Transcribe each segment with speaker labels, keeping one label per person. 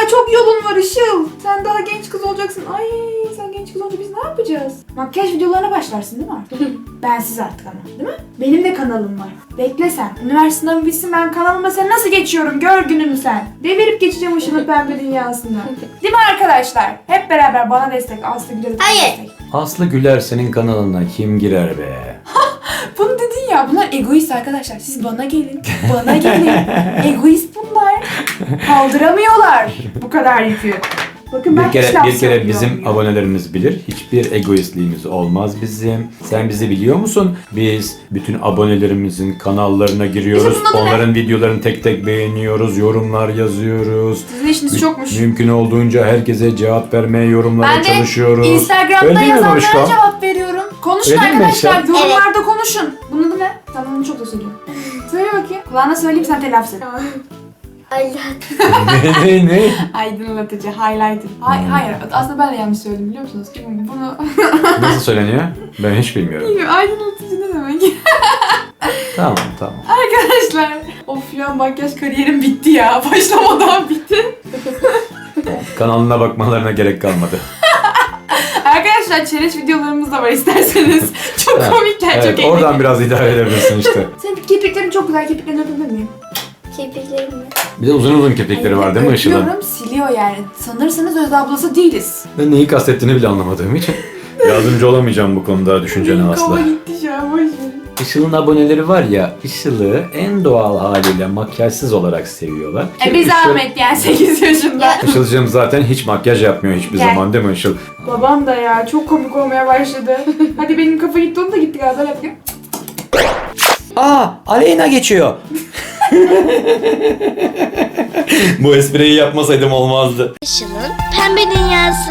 Speaker 1: daha çok yolun var Işıl. Sen daha genç kız olacaksın. Ay sen genç kız olunca biz ne yapacağız? Makyaj videolarına başlarsın değil mi artık? Bensiz artık ama değil mi? Benim de kanalım var. Bekle sen. Üniversite sınavı bitsin, ben kanalıma sen nasıl geçiyorum gör gününü sen. Devirip geçeceğim Işıl'ın pembe dünyasında. Değil mi arkadaşlar? Hep beraber bana destek. Aslı Güler'e destek.
Speaker 2: Aslı Güler senin kanalına kim girer be?
Speaker 1: Bunu dedin ya, bunlar egoist arkadaşlar. Siz bana gelin. Bana gelin. Egoist bunlar. Kaldıramıyorlar bu kadar yükü. Bakın ben
Speaker 2: Bir kere bizim abonelerimiz bilir. Hiçbir egoistliğimiz olmaz bizim. Sen bizi biliyor musun? Biz bütün abonelerimizin kanallarına giriyoruz. Onların videolarını tek tek beğeniyoruz. Yorumlar yazıyoruz.
Speaker 1: Sizin işiniz çokmuş.
Speaker 2: Mümkün olduğunca herkese cevap vermeye, yorumlara çalışıyoruz.
Speaker 1: Ben de Instagram'da yazanlara cevap veriyorum. Konuşun arkadaşlar. Yorumlarda konuşun. Bunun adı ne? Tamam, bunu çok da söylüyorum. Söyle bakayım. Kulağına söyleyeyim, sen telaffuz et.
Speaker 2: Ne?
Speaker 1: Aydınlatıcı, highlighter. Hayır, aslında ben de yanlış söyledim biliyor musunuz? Bunu...
Speaker 2: Nasıl söyleniyor? Ben hiç bilmiyorum.
Speaker 1: Aydınlatıcı ne demek?
Speaker 2: Tamam.
Speaker 1: Arkadaşlar, of ya, makyaj kariyerim bitti ya. Başlamadan bitti.
Speaker 2: Kanalına bakmalarına gerek kalmadı.
Speaker 1: Arkadaşlar, challenge videolarımız da var isterseniz. Çok komikler, çok eğlenceli.
Speaker 2: Oradan biraz idare edebilirsin işte.
Speaker 1: Senin kirpiklerin çok güzel, kirpiklerini öpebilir miyim?
Speaker 3: Kirpiklerim mi?
Speaker 2: Bir de uzun kirpikleri var değil mi Işıl'ın?
Speaker 1: Öpüyorum, siliyor yani. Sanırsınız Özde ablası değiliz.
Speaker 2: Ben neyi kastettiğini bile anlamadığım için yardımcı olamayacağım bu konuda düşüncene
Speaker 1: Benim
Speaker 2: asla.
Speaker 1: kafa gitti şu an, boş verin.
Speaker 2: Işıl'ın aboneleri var ya, Işıl'ı en doğal haliyle makyajsız olarak seviyorlar.
Speaker 1: Bir zahmet yani 8 yaşında.
Speaker 2: Işıl'cığım zaten hiç makyaj yapmıyor hiçbir zaman değil mi Işıl?
Speaker 1: Babam da ya çok komik olmaya başladı. Hadi benim kafa gitti, onun da gitti galiba. Yapayım.
Speaker 2: Aleyna geçiyor. Bu espriyi yapmasaydım olmazdı.
Speaker 3: Işıl'ın pembe dünyası.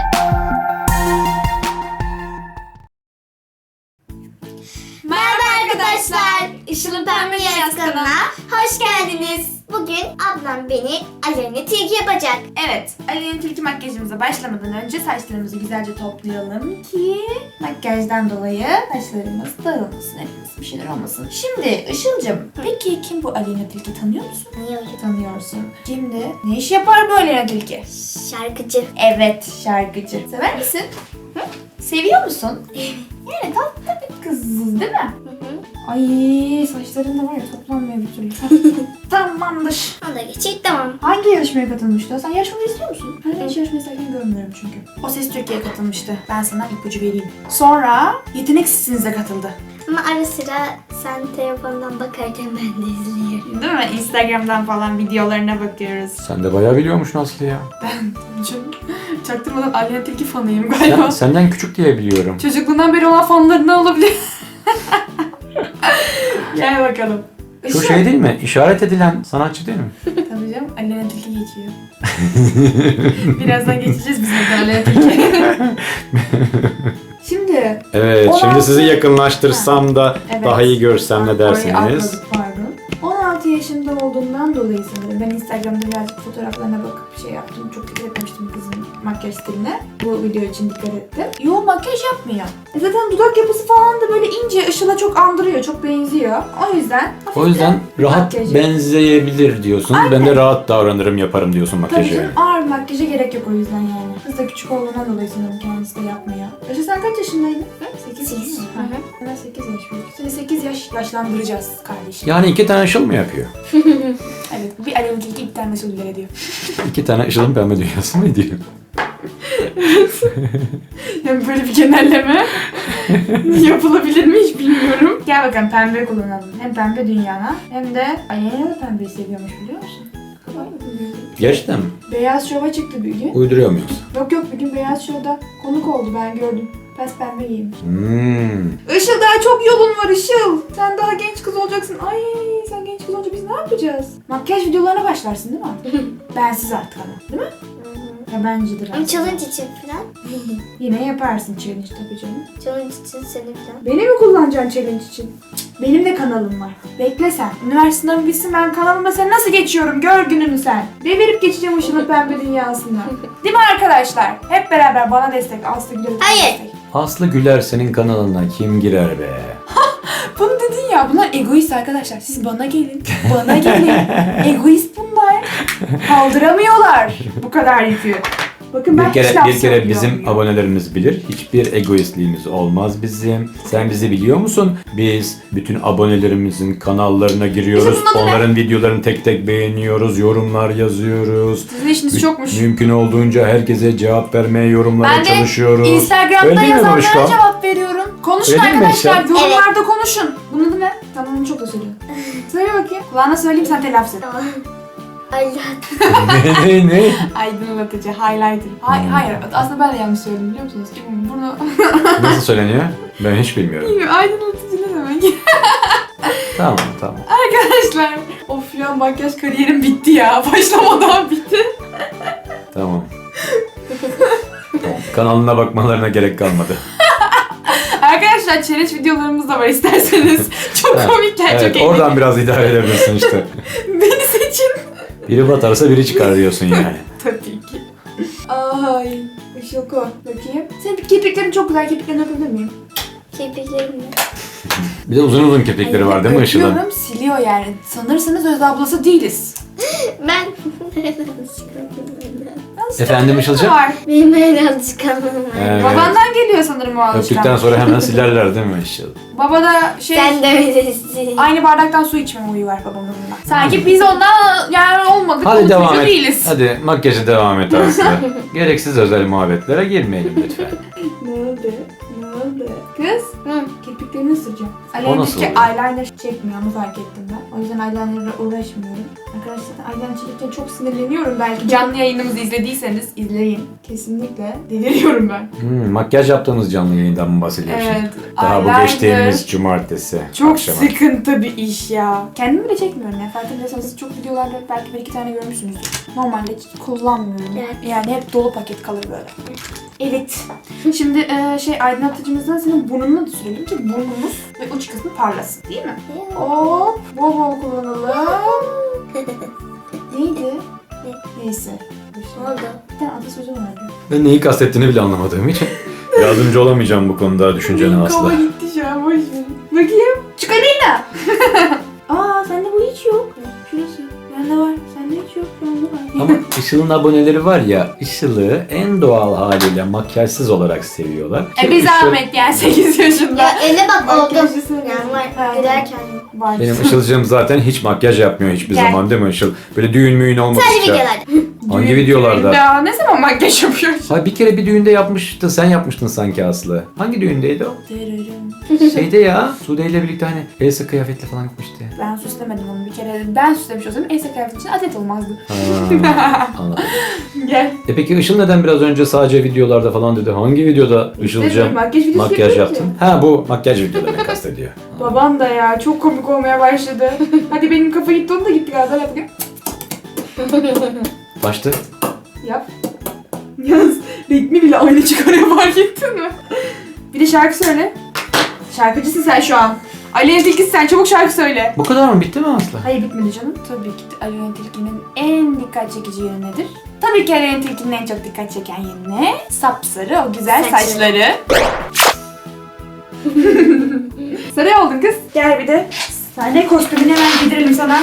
Speaker 3: Merhaba arkadaşlar. Işıl'ın pembe dünyası kanalına hoş geldiniz. Bugün ablam beni Aleyna Tilki yapacak.
Speaker 1: Evet, Aleyna Tilki makyajımıza başlamadan önce saçlarımızı güzelce toplayalım ki makyajdan dolayı saçlarımız dağılmasın, etmesin, bir şeyler olmasın. Şimdi Işıl'cığım, peki kim bu Aleyna Tilki, tanıyor musun? Tanıyorsun. Kimdi? Ne iş yapar bu Aleyna Tilki?
Speaker 3: Şarkıcı.
Speaker 1: Evet, şarkıcı. Sever misin? Hı? Seviyor musun? Yani tatlı bir kız değil mi? Ay, saçların da var ya, toplanmıyor bir türlü. Tamamdır.
Speaker 3: Onu da geçecek, tamam.
Speaker 1: Hangi yarışmaya katılmıştı? Sen yarışmayı istiyor musun? Ben hiç yarışmayı isterken görmüyorum çünkü. O Ses Türkiye'ye katılmıştı. Ben sana ipucu vereyim. Sonra Yetenek Sesinize katıldı.
Speaker 3: Ama ara sıra sen telefondan bakarken ben de izliyorum.
Speaker 1: Değil mi? Instagram'dan falan videolarına bakıyoruz.
Speaker 2: Sen de bayağı biliyormuşsun Aslı ya.
Speaker 1: Ben çaktırmadan Aleyna Tilki fanıyım galiba.
Speaker 2: Senden küçük diye biliyorum.
Speaker 1: Çocukluğundan beri olan fanlarından olabilir. Gel bakalım.
Speaker 2: Şu şey değil mi? İşaret edilen sanatçı değil mi?
Speaker 1: Tabii canım, Aleyna Tilki geçiyor. Birazdan geçeceğiz biz de Aleyna Tilki. Şimdi...
Speaker 2: Evet,
Speaker 1: 16
Speaker 2: şimdi sizi yakınlaştırsam da
Speaker 1: Evet.
Speaker 2: daha iyi görsem ne
Speaker 1: Orayı
Speaker 2: dersiniz?
Speaker 1: atladık, pardon. 16 yaşında olduğundan dolayı sanırım ben Instagram'da birazcık fotoğraflarına bakıp şey yaptım. Çok dikkat etmiştim kızın makyaj stiline. Bu video için dikkat ettim. Yo, makyaj yapmıyor. Zaten dudak yapısı falan da böyle ince, Işıl'a çok andırıyor, çok benziyor. O yüzden
Speaker 2: O yüzden rahat
Speaker 1: makyajı.
Speaker 2: benzeyebilir diyorsun. Ben de rahat davranırım, yaparım diyorsun
Speaker 1: Tabii
Speaker 2: makyajı.
Speaker 1: canım, ağır makyaja gerek yok o yüzden yani. Kız da küçük olduğundan dolayı sanırım kendisi de yapmıyor. Işıl, sen kaç yaşındaydın? 8
Speaker 3: Sekiz.
Speaker 1: yaş. Ben 8 yaş büyük. Seni 8 yaş yaşlandıracağız kardeşim.
Speaker 2: Yani 2 tane Işıl mı yapıyor?
Speaker 1: Evet, bu bir Aleyna Tilki, bir tane Işıl Güler ediyor.
Speaker 2: 2 tane Işıl'ın pembe dünyası mı ediyor?
Speaker 1: Yani böyle bir genelleme yapılabilir mi hiç bilmiyorum. Gel bakalım, pembe kullanalım. Hem pembe dünyana hem de Aleyna da pembeyi seviyormuş, biliyor musun?
Speaker 2: Gerçekten mi?
Speaker 1: Beyaz Şov'a çıktı bir gün.
Speaker 2: Uyduruyor muyuz?
Speaker 1: Yok, bir gün Beyaz Şov'da konuk oldu, ben gördüm. Pes pembe giymiş.
Speaker 2: Hmm.
Speaker 1: Işıl, daha çok yolun var Işıl. Sen daha genç kız olacaksın. Ay sen genç kız olunca biz ne yapacağız? Makyaj videolarına başlarsın değil mi? Bensiz artık ama, değil mi? Ya bencidir
Speaker 3: Ama
Speaker 1: artık.
Speaker 3: challenge için falan.
Speaker 1: Yine yaparsın challenge tabii canım.
Speaker 3: Challenge için seni falan.
Speaker 1: Beni mi kullanacaksın challenge için? Benim de kanalım var. Bekle sen. Üniversite sınavı bitsin, ben kanalıma sen nasıl geçiyorum gör gününü sen. Devirip geçeceğim Işıl'ın pembe dünyasında. Değil mi arkadaşlar? Hep beraber bana destek. Aslı Güler'e
Speaker 3: Hayır.
Speaker 1: destek.
Speaker 2: Aslı Güler senin kanalına kim girer be?
Speaker 1: Bunu dedin ya, bunlar egoist arkadaşlar. Siz bana gelin. Bana gelin. Egoist bunlar. Kaldıramadılar. Kaldıramıyorlar bu kadar yükü. Bakın ben
Speaker 2: Bir
Speaker 1: hiç
Speaker 2: kere,
Speaker 1: laf
Speaker 2: bir kere bizim
Speaker 1: söylüyorum.
Speaker 2: abonelerimiz bilir. Hiçbir egoistliğimiz olmaz bizim. Sen bizi biliyor musun? Biz bütün abonelerimizin kanallarına giriyoruz.
Speaker 1: Bizim bunun adı ne?
Speaker 2: Onların videolarını tek tek beğeniyoruz. Yorumlar yazıyoruz.
Speaker 1: Sizin işiniz çokmuş.
Speaker 2: Mümkün olduğunca herkese cevap vermeye, yorumlara
Speaker 1: Ben de
Speaker 2: çalışıyoruz.
Speaker 1: Instagram'da
Speaker 2: Öyle değil mi
Speaker 1: yazanlara
Speaker 2: Barışko?
Speaker 1: cevap veriyorum. Konuşun
Speaker 2: Öyle değil mi
Speaker 1: arkadaşlar.
Speaker 2: Eşya?
Speaker 1: Yorumlarda konuşun. Bunun adı ne? Tamam onu çok da söylüyorum. Söyle bakayım. Kulağına söyleyeyim sen telaffuz et.
Speaker 3: Tamam. Allah.
Speaker 2: ne?
Speaker 1: Aydınlatıcı, highlighter. Hayır, aslında ben de yanlış söyledim biliyor musunuz? Bunu...
Speaker 2: Nasıl söyleniyor? Ben hiç bilmiyorum.
Speaker 1: Bilmiyorum, aydınlatıcı ne demek?
Speaker 2: Tamam.
Speaker 1: Arkadaşlar, of ya makyaj kariyerim bitti ya. Başlamadan bitti.
Speaker 2: Tamam. Kanalına bakmalarına gerek kalmadı.
Speaker 1: Arkadaşlar challenge videolarımız da var isterseniz. Çok komikler,
Speaker 2: Evet,
Speaker 1: çok
Speaker 2: oradan biraz idare edebilirsin işte.
Speaker 1: Beni seçin.
Speaker 2: Biri batarsa biri çıkar diyorsun yani.
Speaker 1: Tabii ki. Ay, Işılko. Bakayım. Senin kirpiklerin çok güzel. Kirpiklerini öpebilir miyim?
Speaker 3: Kirpiklerim
Speaker 2: Bir de uzun uzun kirpikleri var değil mi Işıl'ın?
Speaker 1: Öpüyorum, siliyor yani. Sanırsınız Özde ablası değiliz.
Speaker 3: Ben
Speaker 2: Efendim Işıl'cığım?
Speaker 1: Var.
Speaker 3: benim öyle alışkanlığım var.
Speaker 2: Evet.
Speaker 1: Babandan geliyor sanırım o
Speaker 2: Öptükten
Speaker 1: alışkanlık.
Speaker 2: sonra hemen silerler değil mi Işıl?
Speaker 1: Baba da şey...
Speaker 3: Sen de öylesin.
Speaker 1: Aynı bardaktan su içmeme huyu var babamın. Sanki biz ondan yani olmadık,
Speaker 2: Hadi devam
Speaker 1: unutmuş
Speaker 2: et.
Speaker 1: değiliz.
Speaker 2: Hadi makyajı devam et Aslı. Gereksiz özel muhabbetlere girmeyelim lütfen.
Speaker 1: Ne oldu? Ne oldu? Kız,
Speaker 3: Hı.
Speaker 1: kirpiklerini ısıracağım.
Speaker 2: O nasıl
Speaker 1: Alevdeki
Speaker 2: oluyor?
Speaker 1: eyeliner çekmiyor, onu fark ettim ben. O yüzden eyeliner'la uğraşmıyorum. Arkadaşlar eyeliner çekirken çok sinirleniyorum. Belki canlı yayınımızı izlediyseniz izleyin. Kesinlikle deliriyorum ben.
Speaker 2: Makyaj yaptığımız canlı yayından mı bahsediyorsun?
Speaker 1: Evet.
Speaker 2: Daha bu
Speaker 1: eyeliner
Speaker 2: geçtiğimiz cumartesi
Speaker 1: çok
Speaker 2: akşamı.
Speaker 1: sıkıntı bir iş ya. Kendim bile çekmiyorum ya. Farkındaysanız çok videolarda belki bir iki tane görmüşsünüzdür. Normalde hiç kullanmıyorum.
Speaker 3: Evet.
Speaker 1: Yani hep dolu paket kalır böyle. Evet. Şimdi aydınlatıcımızdan senin burnunu da sürelim ki burnumuz ve uç kısmı parlasın değil mi? Hop. Bol bol kullanalım. Neydi? Neyse.
Speaker 3: Ne oldu?
Speaker 1: Bir tane atasözü vardı.
Speaker 2: Ben neyi kastettiğini bile anlamadığım için yardımcı olamayacağım bu konuda düşüncene
Speaker 1: Kafa
Speaker 2: Aslı.
Speaker 1: gitti şu an boş ver. Bakayım. Çikolina. Aa sende bu hiç yok. Şurası. Bende var. Sende hiç yok. Bende var.
Speaker 2: Ama Işıl'ın aboneleri var ya, Işıl'ı en doğal haliyle makyajsız olarak seviyorlar. Ki
Speaker 1: Bir
Speaker 2: Işıl-
Speaker 1: zahmet yani 8 yaşında.
Speaker 3: Ya eline bak oldu.
Speaker 1: Makyajı seviyorum.
Speaker 3: Yani var.
Speaker 1: Aynen.
Speaker 3: Gülerken.
Speaker 1: Var.
Speaker 2: Benim Işıl'cığım zaten hiç makyaj yapmıyor hiçbir
Speaker 1: Gel.
Speaker 2: zaman değil mi Işıl? Böyle düğün müğün
Speaker 3: Sadece
Speaker 2: olmadıkça.
Speaker 3: videolarda.
Speaker 2: Hangi videolarda?
Speaker 1: Ya ne zaman makyaj yapıyorsun?
Speaker 2: Ha bir kere bir düğünde yapmıştı, sen yapmıştın sanki Aslı. Hangi düğündeydi o? Şeyde ya, Sude ile birlikte hani Elsa kıyafetle falan gitmişti.
Speaker 1: Ben süslemedim onu bir kere. Ben süslemiş olsam Elsa kıyafet için adet olmazdı.
Speaker 2: Ha, anladım.
Speaker 1: Gel.
Speaker 2: Peki Işıl neden biraz önce sadece videolarda falan dedi? Hangi videoda Işıl'cığım
Speaker 1: makyaj videosu
Speaker 2: makyaj
Speaker 1: yapıyorum
Speaker 2: yaptın?
Speaker 1: ki.
Speaker 2: Ha bu makyaj videolarını kastediyor.
Speaker 1: Babam da ya çok komik olmaya başladı. Hadi benim kafa gitti onu da gitti galiba. Yap bakayım.
Speaker 2: Başta
Speaker 1: Yap. Yalnız ritmi bile aynı çıkarıyor fark ettin mi? Bir de şarkı söyle. Şarkıcısın sen şu an. Aleyna Tilki sen çabuk şarkı söyle.
Speaker 2: bu kadar mı? Bitti mi Aslı?
Speaker 1: Hayır bitmedi canım. Tabii ki de Aleyna Tilki'nin en dikkat çekici yeri nedir? Tabii ki Aleyna Tilki'nin en çok dikkat çeken yeri ne? Sapsarı o güzel saçları. Sarı oldun kız. Gel bir de sahne kostümünü hemen giydirelim sana.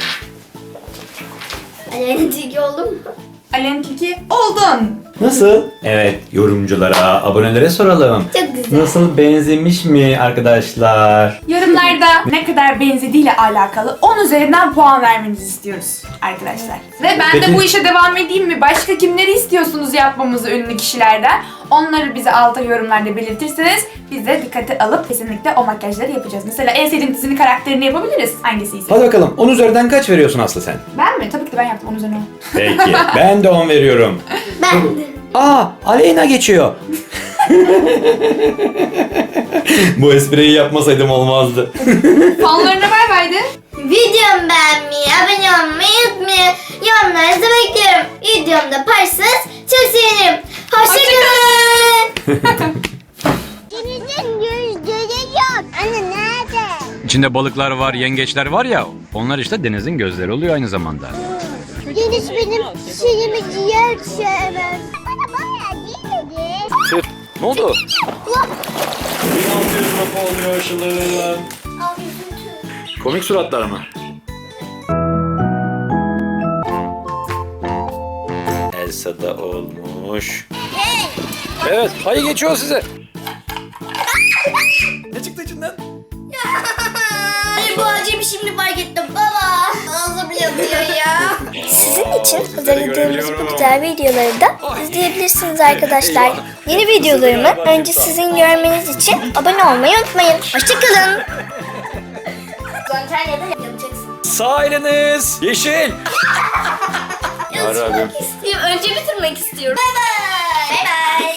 Speaker 3: Aleyna Tilki oldu mu?
Speaker 1: Aleyna Tilki oldun.
Speaker 2: Nasıl? Evet, yorumculara, abonelere soralım.
Speaker 3: Çok güzel.
Speaker 2: Nasıl, benzemiş mi arkadaşlar?
Speaker 1: Yorumlarda ne kadar benzediğiyle alakalı 10 üzerinden puan vermenizi istiyoruz arkadaşlar. Ve ben
Speaker 2: Peki.
Speaker 1: de bu işe devam edeyim mi? Başka kimleri istiyorsunuz yapmamızı ünlü kişilerden? Onları bize altta yorumlarda belirtirseniz biz de dikkate alıp kesinlikle o makyajları yapacağız. Mesela en sevdiğin dizinin karakterini yapabiliriz. Hangisiyse.
Speaker 2: Hadi bakalım, 10 üzerinden kaç veriyorsun Aslı sen?
Speaker 1: Ben mi? Tabii ki de ben yaptım 10 üzerinden.
Speaker 2: Peki, ben de 10 veriyorum.
Speaker 3: Ben de.
Speaker 2: Aa, Aleyna geçiyor. Bu espriyi yapmasaydım olmazdı.
Speaker 1: Fanlarına bay bay de.
Speaker 3: Videomu beğenmeyi, abone olmayı unutmayın. Yorumlarınızı bekliyorum. Videomda paylaşırsanız çok sevinirim. Hoşçakalın.
Speaker 4: Denizin gözleri yok. Anne nerede?
Speaker 2: İçinde balıklar var, yengeçler var ya, onlar işte denizin gözleri oluyor aynı zamanda.
Speaker 4: Deniz benim şeyimi ciğer sevmez. Bana bayağı değil dedi.
Speaker 2: Ne oldu? Komik suratlar mı? Elsa da olmuş. Evet, hayır geçiyor size. Ne çıktı içinden?
Speaker 3: Ay bu acemi şimdi fark ettim baba. Ağzım yanıyor ya.
Speaker 4: Sizin için hazırladığımız bu güzel videoları da izleyebilirsiniz arkadaşlar. Yeni videolarımı önce sizin görmeniz için abone olmayı unutmayın. Hoşçakalın.
Speaker 3: Antalya'da yapacaksın.
Speaker 2: Sağ eliniz yeşil. Yarabbim.
Speaker 3: İstiyorum. Önce bitirmek istiyorum. Bye bye. Bye bye.